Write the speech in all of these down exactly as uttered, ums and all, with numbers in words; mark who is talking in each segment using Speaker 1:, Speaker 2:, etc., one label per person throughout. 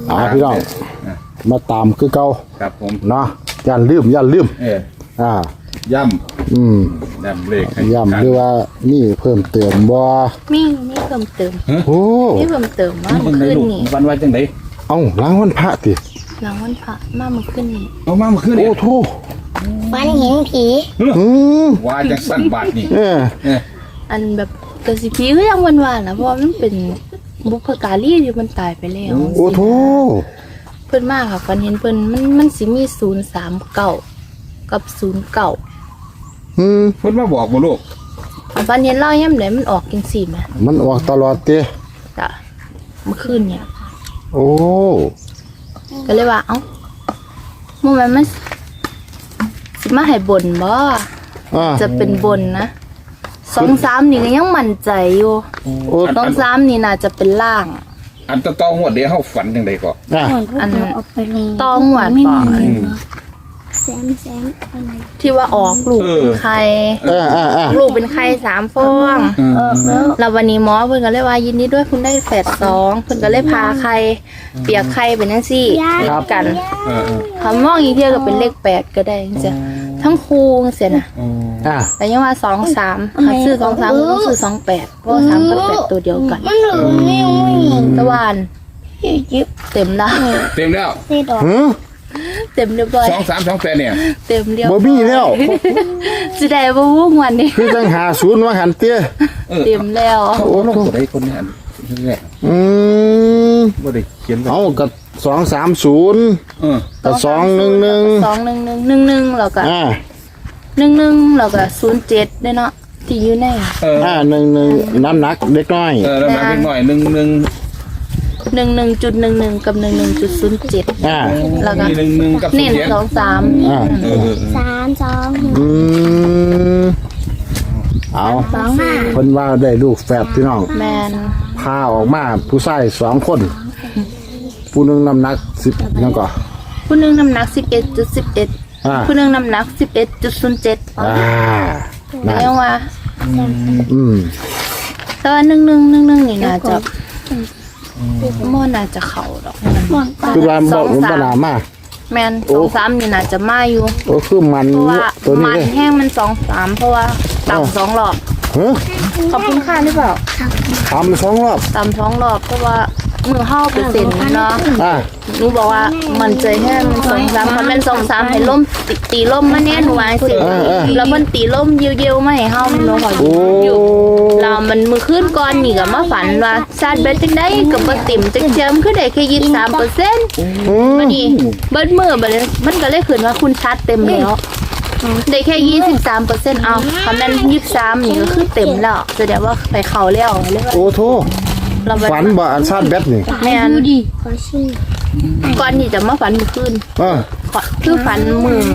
Speaker 1: อ่าพี่น้องมาตามคือเก่า
Speaker 2: ครับผม
Speaker 1: เนาะอย่าลืมอย่าลืม
Speaker 2: เออ
Speaker 1: อ่า
Speaker 2: ย่
Speaker 1: ำอืม
Speaker 2: ย่ำเลข
Speaker 1: ย่ำหรือว่านี่เพิ่มเติมบ่
Speaker 3: มีมีเพิ่มเติม
Speaker 1: โอ้
Speaker 3: มีเพิ่มเติมว่าเมื่อคืนนี้
Speaker 2: วันว่าจังได
Speaker 1: เอ้าล้างวันพระติ
Speaker 3: หลังวันพระมาเมื่อคืนนี้
Speaker 2: เอามาเมื่อคืน
Speaker 1: โอ้โธ่
Speaker 3: ฝันเห็นผี
Speaker 1: อืม
Speaker 2: ว่าจังสั่นบาทนี่
Speaker 1: เออ
Speaker 3: อันแบบกระสิผีก็ยังวันวานนะเพราะมันเป็นบุพการีที่มันตายไปแล้ว
Speaker 1: โอ้โธ่
Speaker 3: เพิ่นมากค่ะฝันเห็นเพิ่นมันมันสิมีศูนย์สามเก้ากับศูนย์เก้า
Speaker 1: อืม
Speaker 2: เพิ่นมาบอกบ่ลูก
Speaker 3: ฝันเห็นเล่าย่ำไหนมันออกจังสี่ไหม
Speaker 1: มันออกตลอดเต้
Speaker 3: จ้ะเมื่อคืนเนี่ย
Speaker 1: โอ้
Speaker 3: ก็เลยว่าเอ้าเมื่อมันมันสิมาให้บนบ่จะเป็นบนนะสองสามนี่ก็ยังมั่นใจอยู่สองสามนี่น่าจะเป็นล่าง
Speaker 2: อันตะตองหวดเดี๋ยวเฮาฝันจังไดก็
Speaker 3: อันตองหวดป่ะแซมแซมอะไรที่ว่าออกลูกเป็นไข่ลูกเป็นไข่สามฟองแล้ววันนี้หมอเพิ่นก็เลยว่ายินดีด้วยคุณได้แฝดสองเพิ่นก็เลยพาไข่เปียกไข่เป็นจังซี่กันคำมองอีกเทียก็เป็นเลขแปดก็ได้จ้ะทั้งคู่เสียนะแต่ยังว่าสองสามค่ะซื้อสองสามก็ซื้อสองแปดเพราะสามกับแปดตัวเดียวกันตะวันเต็มแล้ว
Speaker 2: เต็มแล้ว
Speaker 3: เต็มเรียบร้อย
Speaker 2: สองสามสองแปดเนี่ย
Speaker 3: เต็มเรียบ
Speaker 1: บ่มีแล้ว
Speaker 3: สิได้บ่วุ่งวันนี้
Speaker 1: คือจังหาศูนย์ว่าหันเตี้ย
Speaker 3: เต็มแล้ว
Speaker 2: โอ้ลงตัวใดคนนี้อันแรก
Speaker 1: อืม
Speaker 2: บ่ได้เขียน
Speaker 1: เอากับสองสามศูนย์เออกับสองหนึ่งหนึ่ง
Speaker 3: สองหนึ่งหนึ่งหนึ่งหนึ่งแล้วก็อ่าหนึ่งหนึ่งแล้วก็ศูนย์เจ็ดได้เนาะที่อยู่ใน
Speaker 1: อ่าหนึ่งหนึ่งน้ำหนักเล็กน้อย
Speaker 2: เออน้ำหนักเล็กน้อยหนึ่งหนึ่ง
Speaker 3: หนึ่งหนึ่งจุดหนึ่งหนึ่งกับหนึ่งหนึ่งจุดศูนย์เจ็ด
Speaker 1: อ่า
Speaker 3: แล้วก็
Speaker 2: หนึ่งหนึ่งกับ
Speaker 3: เน้นสองสาม
Speaker 1: อ่า
Speaker 3: สามสอง
Speaker 1: อืมเอาคนว่าได้ลูกแฝดพี่น้อง
Speaker 3: แมน
Speaker 1: พาออกมาผู้ชายสองคนผู้หนึ่งน้ำหนักสิบยังก่อ
Speaker 3: ผู้หนึ่งน้ำหนักสิบเอ็ดจุดสิบเอ็ดผู้หนึ่งน้ำหนักสิบเอ็ดจุดศูนย์เจ็ด
Speaker 1: อ่า
Speaker 3: เรียกว่า
Speaker 1: อืม
Speaker 3: แต่ว่าหนึ่งหนึ่งหนึ่งหนึ่งนี่น่าจะม่น่าจะเข่าดอก
Speaker 1: คือว่าบอกมันปัญหามาก
Speaker 3: แมนสองสามนี่น่าจะมาอยู่
Speaker 1: โอ้คือมัน
Speaker 3: ตัวนี้มันแห้งมันสองสามเพราะว่าต่ำสองรอบขอบคุณค่าหรือเปล่า
Speaker 1: ต่ำสองรอบ
Speaker 3: ต่ำสองรอบเพราะว่ามือห้าเปอร์เซ็นต์เนาะหนูบอกว่ามันใจแห้งมันสองสามมันเป็นสองสามให้ล่มตีตีล่มมาเนี่ยหนูวางสิแล้วมันตีล่มเยี่ยวๆไม่ให้ห้ามันหอยอยู่เรามันมือขึ้นก้อนนี่กับมาฝันว่าซาดเบ็ดจังได้กับมาติ่มจังเจิมขึ้นได้แค่ยี่สิบสามเปอร์เซ็นต์มันนี่เบิดมือไปเลยมันก็เลยขึ้นว่าคุณชาร์จเต็มแล้วได้แค่ยี่สิบสามเปอร์เซ็นต์เอาคำนั้นยี่สิบสามนี่ก็คือเต็มแล้วแสดงว่าไปเข่าแล้ว
Speaker 1: โอ้โธ่ฝันบ่อันชาติแบทนี่
Speaker 3: แม่ดูดิก่อนนี่จะมาฝันมือขึ้นคือฝันมือ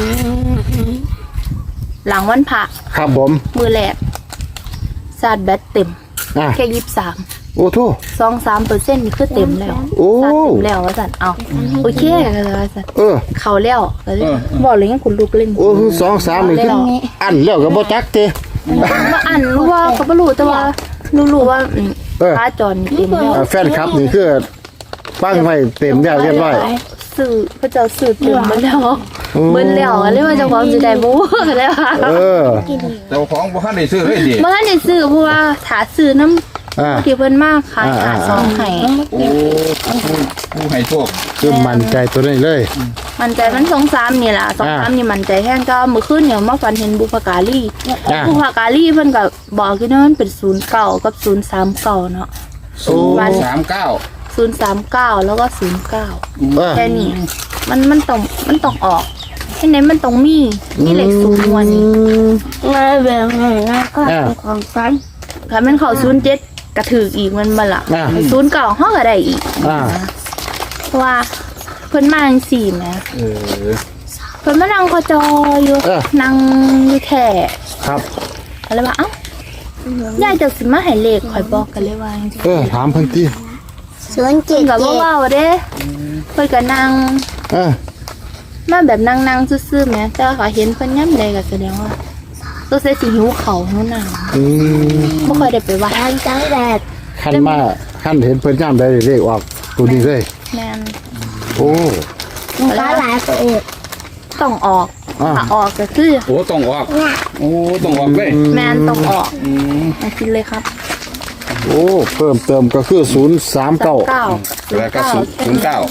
Speaker 3: หลังวันพระ
Speaker 1: ครับผม
Speaker 3: มือแรกชาติแบตเต็มแค่ยี่สิบสาม
Speaker 1: โอ้โธ่
Speaker 3: สองสามเปอร์เซ็นต์นี่คือเต็มแล้ว
Speaker 1: โอ้
Speaker 3: เต็มแล้วว่าสันเอาโอเคกันว่าสัน
Speaker 1: เออ
Speaker 3: เขาแล้วบอกเลยงั้นคุณลูกเล่น
Speaker 1: โอ้สองสามนี่คืออันแล้วก็บ่จักเตะ
Speaker 3: ว่าอันรู้ว่าก็บ่รู้แต่ว่ารู้ว่าพระจรเต็มแล้ว
Speaker 1: แฟนคลับนี่คือฟังไว้เต็มแล้วเรียบร้อย
Speaker 3: สื่อพระเจ้าสื่อเต็มหมดแล้วเบิ้ลแล้วเรียกว่าเจ้าของจะได้บ่กันแล้ว
Speaker 1: เออ
Speaker 2: เจ้าของบ่ทันได้ซื้อเลยดิ
Speaker 3: บ่ทันได้ซื้อเพราะว่าถาซื้อน้ำที่เพิ่นมากขายหาซองให้
Speaker 2: โอ้ผู้ให้โชค
Speaker 1: คือมั่นใจตัวนี้เลย
Speaker 3: มั่นใจมันสองสามนี่ล่ะสองสามนี่มั่นใจแห้งก็มื้อคืนเนี่ยมาฝันเห็นบุพการีบุพการีเพิ่นก็บอกอยู่นะมันเป็นศูนย์เก้ากับศูนย์สามเก้าเนาะ
Speaker 2: ศูนย์สามเก้า
Speaker 3: ศูนย์สามเก้าแล้วก็ศูนย์เก้าแค่นี้มันมันต้องมันต้องออกที่ไหนมันต้องมีมีเลขศูนย์วันนี้
Speaker 4: มาแบบไหนนะก็ของฟัน
Speaker 3: ถ้ามันเข้าศูนย์เจ็ดกระถืออีกมันมาละศูนย์เก้าห้องอะไรอีกเพราะว่าเพิ่นมาจังสี่แหมเพิ่นมานั่งคอจออยู่นั่งอยู่แค่
Speaker 1: ครับ
Speaker 3: อะไรวะเอ้ายายจะสิมาให้เลขข่อยบอกกันเลยว่า
Speaker 1: เออถามเพิ่นติ
Speaker 3: ศูนย์เจ็ดกับว่าว่าเด้เพิ่นก็นั่งเออมาแบบนั่งๆซื่อๆแหมแต่ว่าเขาเห็นเพิ่นย่ำใดก็แสดงว่าตัวเสสิหิวเขาหิวน้ำอืมบ่ค่อยได้ไปวัด
Speaker 4: จังแดด
Speaker 1: คันมาคันเห็นเพิ่นย่ำใดเลขออกตัวนี้เลย
Speaker 3: ใแม่น
Speaker 1: โอ้
Speaker 4: มันก็หลายตัวเอง
Speaker 3: ต้องออก
Speaker 1: อ่า
Speaker 3: ถ้าออกก็คือ
Speaker 2: โอ้ต้องออกโอ้ต้องออกเลย
Speaker 3: แม่นต้องออก
Speaker 2: อืม
Speaker 3: มากินเลยครับ
Speaker 1: โอ้เพิ่มเติมก็คือศูนย์สามเก้า
Speaker 3: เก้า
Speaker 2: แล้วก็ศูนย์ศูนย์เก้า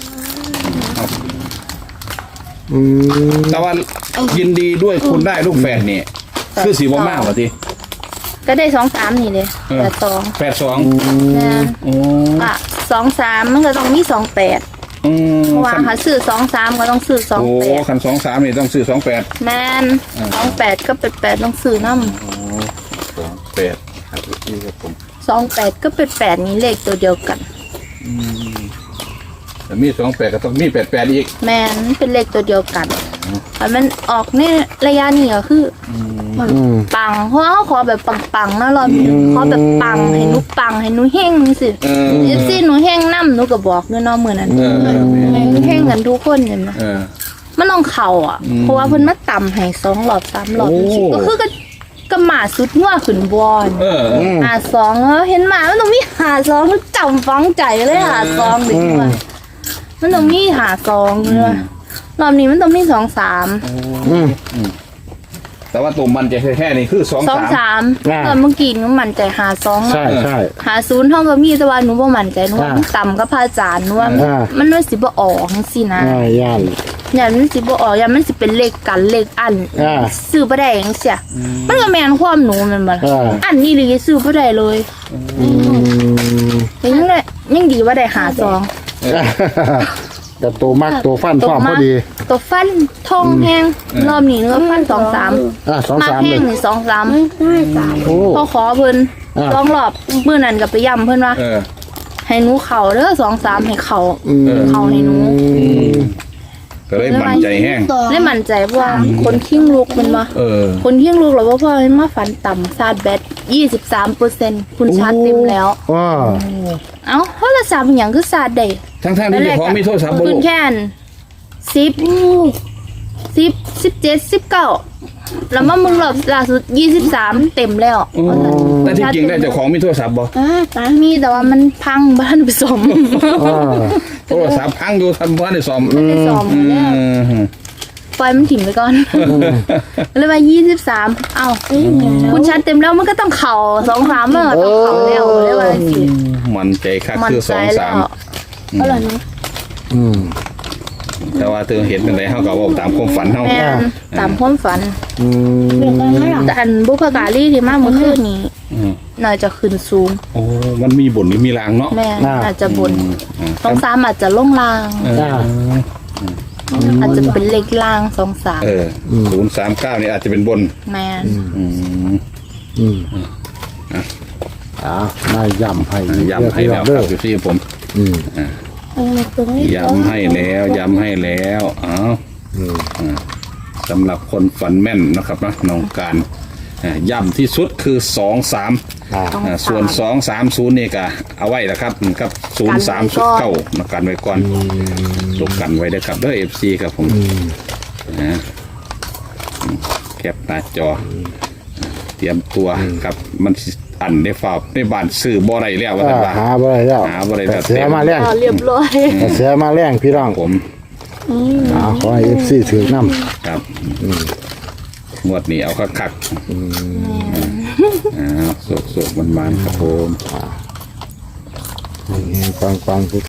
Speaker 1: อืม
Speaker 2: แต่ว่ายินดีด้วยคุณได้ลูกแฝดนี่คือสีบ่มากกว่าที
Speaker 3: ก็ได้สองสามนี่เลย
Speaker 2: เออ
Speaker 3: แต่สอง
Speaker 2: แปดสอง
Speaker 3: แม่น
Speaker 2: โอ้
Speaker 3: อ่ะสองสามมันก็ต้องมีสองแปด
Speaker 2: อืม
Speaker 3: เพราะว่าถ้าซื้อสองสามก็ต้องซื้อสอง
Speaker 2: โอ้
Speaker 3: แปด
Speaker 2: คันสองสามนี่ต้องซื้อสองแปด
Speaker 3: แม่นสองแปดก็เป็นแปดต้องซื้อน้
Speaker 2: สองแปดครับนี่ครับผม
Speaker 3: ำสองแปดก็เป็นแปดนี้เลขตัวเดียวกัน
Speaker 2: แต่มีสองแปดก็ต้องมีแปดแปดอีก
Speaker 3: แม่นเป็นเลขตัวเดียวกันแต่มันออกในระยะนี้ก็คืออ
Speaker 1: อืม
Speaker 3: ปังเพราะว่าเขาขอแบบปังๆนะรอบนี้ขอแบบปังให้หนูปังให้หนูเฮงนี่สิ
Speaker 2: เออ
Speaker 3: เอฟซีหนูเฮงน้ำหนูก็บอกด้วยเนาะมือนั้น
Speaker 2: เออเออ
Speaker 3: ให้หนูเฮงกันทุกคนเห็นไหม
Speaker 2: เออ
Speaker 3: มันต้องเข่าอ่ะ
Speaker 2: อืม
Speaker 3: เพราะว่าเพิ่นมาต่ำให้สองหลอดสามหลอด
Speaker 2: โอ้
Speaker 3: ก็คือก็กระหมาสุดงัวขึ้นบอล
Speaker 2: เออ
Speaker 1: อืม
Speaker 3: หาสองแล้วเห็นหมามันต้องมีหาสองมันจำฟังใจเลยหาสองเด็กว่ามันต้องมีหาสองเลยรอบนี้มันต้องมีสองสาม
Speaker 1: อืม
Speaker 2: แต่ว่าตัวมันจะแค่ๆนี่คือสอง
Speaker 3: สอง
Speaker 2: สาม
Speaker 3: สาม
Speaker 1: อ่า
Speaker 3: ตอนเมื่อกี้หนูมั่นใจหาสอง
Speaker 1: ใช่ใช่
Speaker 3: หาศูนย์เท่ากับมีแต่ว่าหนูบ่มั่นใจหนูว่า
Speaker 1: อ่า
Speaker 3: มันต่ำกับพระอาจารย์หนูว่า
Speaker 1: อ่า
Speaker 3: มันมันสิบ่ออกจังซี่นะ
Speaker 1: อ่าย่าน
Speaker 3: อย่ามันสิบ่ออกอย่ามันสิเป็นเลขกันเลขอัน
Speaker 1: อ่า
Speaker 3: ซื้อบ่ได้จังซี่มันก็แม่นความหนูแมันบ่
Speaker 1: อ่า
Speaker 3: อันนี้เลยซื้อบ่ได้เลย
Speaker 1: อืม
Speaker 3: แต่ยังได้ยังดีว่าได้หาซอง
Speaker 1: แต่ตัวมักตัวฟันพร้อมพอดี
Speaker 3: ตัวฟันทองแห้งรอบนี้เนื้อฟันสองสาม
Speaker 1: อ่าสอง
Speaker 3: มา
Speaker 1: สาม
Speaker 3: แห้
Speaker 1: เล
Speaker 3: ง
Speaker 1: ย
Speaker 3: นี่สองสาม
Speaker 4: ไม่สาม
Speaker 1: โอ้
Speaker 3: พอขอเพิ่น
Speaker 1: อ่า
Speaker 3: ลองรอบมื้อนั้นก็ไปย้ำเพิ่นว่า
Speaker 2: เออ
Speaker 3: ให้หนูเข่าเด้อสองสามให้เข่า
Speaker 1: อืม
Speaker 3: เข่าให้หนู
Speaker 2: ก็เลยมั่นใจแห้ง
Speaker 3: ได้มั่นใจว่าคนขิ้งลูกมันบ่
Speaker 2: เออ
Speaker 3: คนขิ้งลูกแล้วว่าพ่อให้มาฝันต่ำซาดแบตยี่สิบสามเปอร์เซ็นต์คุณชาร์จเต็มแล้ว
Speaker 1: ว้า
Speaker 3: เอ้าโทรศัพท์อหย่างคือซาดได้
Speaker 2: ทั้งๆที่เจ้าของมีโทรศัพท์บ่
Speaker 3: คุ
Speaker 2: ลู
Speaker 3: ณ
Speaker 2: ก
Speaker 3: แค่นสิบสิบสิบเจ็ดสิบเก้าแล้วมามึงรอบล่าสุดยี่สิบสามเต็มแล้ว
Speaker 2: แต่ที่จริงได้เจ้าของมีโทรศัพท์บ่
Speaker 4: อ่าตา
Speaker 3: มีแต่ว่ามันพังบ้านไปสม
Speaker 1: อ่า
Speaker 2: โทรศัพท์พังอยู่ทันบ้านได้ซ่อม
Speaker 3: ไปสม
Speaker 2: อื
Speaker 3: แล้ว
Speaker 2: ม
Speaker 3: ปล่อยมันถิ่มไปก่อนเลยว่ายี่สิบสามเอ้าคุณชัดเต็มแล้วมันก็ต้องเข่าสองสามมันก็ต้องเข่าแล้วเลยว่าสิ
Speaker 2: มันใจคัก
Speaker 3: มัน
Speaker 2: คือส
Speaker 3: ใจ
Speaker 2: อง
Speaker 3: แล้
Speaker 2: สาม
Speaker 3: ว
Speaker 4: อร่อยไหม
Speaker 1: อืม
Speaker 2: แต่ว่าเธอเห็นเป็นไรเฮาก็เว้าตามความฝันเฮา
Speaker 3: แม่นตามความฝัน
Speaker 1: อืม
Speaker 4: เปลี่ยนกันไหมหรอ
Speaker 3: แต่อันบุพการีที่มาเมื่อคืนนี้
Speaker 2: อืม
Speaker 3: น่าจะขึ้นสูง
Speaker 2: โอ้มันมีบ่นมีลางเนาะ
Speaker 3: แม่อาจจะบน
Speaker 2: อืม
Speaker 3: สองสามอาจจะลงลาง
Speaker 2: เออ
Speaker 1: อ่า
Speaker 3: อาจจะเป็นเลขล่างสองสาม
Speaker 2: เออศูนย์สามเก้านี่อาจจะเป็นบน
Speaker 3: แม่น
Speaker 2: อืม
Speaker 1: อืมอ่ามาย่ำให้อีก
Speaker 2: ย้ำให้แล้วค
Speaker 1: เด้
Speaker 2: รั
Speaker 1: อบ
Speaker 2: อยู่ที่ผม
Speaker 1: อืม
Speaker 4: เออตรงนี้
Speaker 2: ย้ำให้แล้วย้ำให้แล้วอ้าว
Speaker 1: อืม
Speaker 2: สำหรับคนฝันแม่นนะครับนะน้องการอ่าย้ำที่สุดคือสองสาม
Speaker 1: อ่า
Speaker 2: อ่าส่วนสองสามศูนย์นี่ก็เอาไว้นะครับครับศูนย์สามสุดเก้ามากันไว้ก่อนตกกันไว้ด้วยครับเด้อเอฟซีครับผมนะแคปหน้าจอ เตรียมตัวครับมันสิอันได้ฝากในบ้านซื้อบ่ได้แล้วว่า
Speaker 1: อ่า
Speaker 2: แต่ว่า
Speaker 1: หาบ่ได้แล้ว
Speaker 2: หาบ่ได้แล้ว
Speaker 1: แต่เสียมาแรง
Speaker 3: อ๋อเรียบร้อย
Speaker 1: แต่เสียมาแรงพี่น้อง
Speaker 2: ผม
Speaker 1: อ่าขอให้ เอฟ ซี ถือน้ำ
Speaker 2: ครับงวดนี้เอาคักๆอ่าสุกๆมันๆครับผม
Speaker 1: ฟังฟังๆ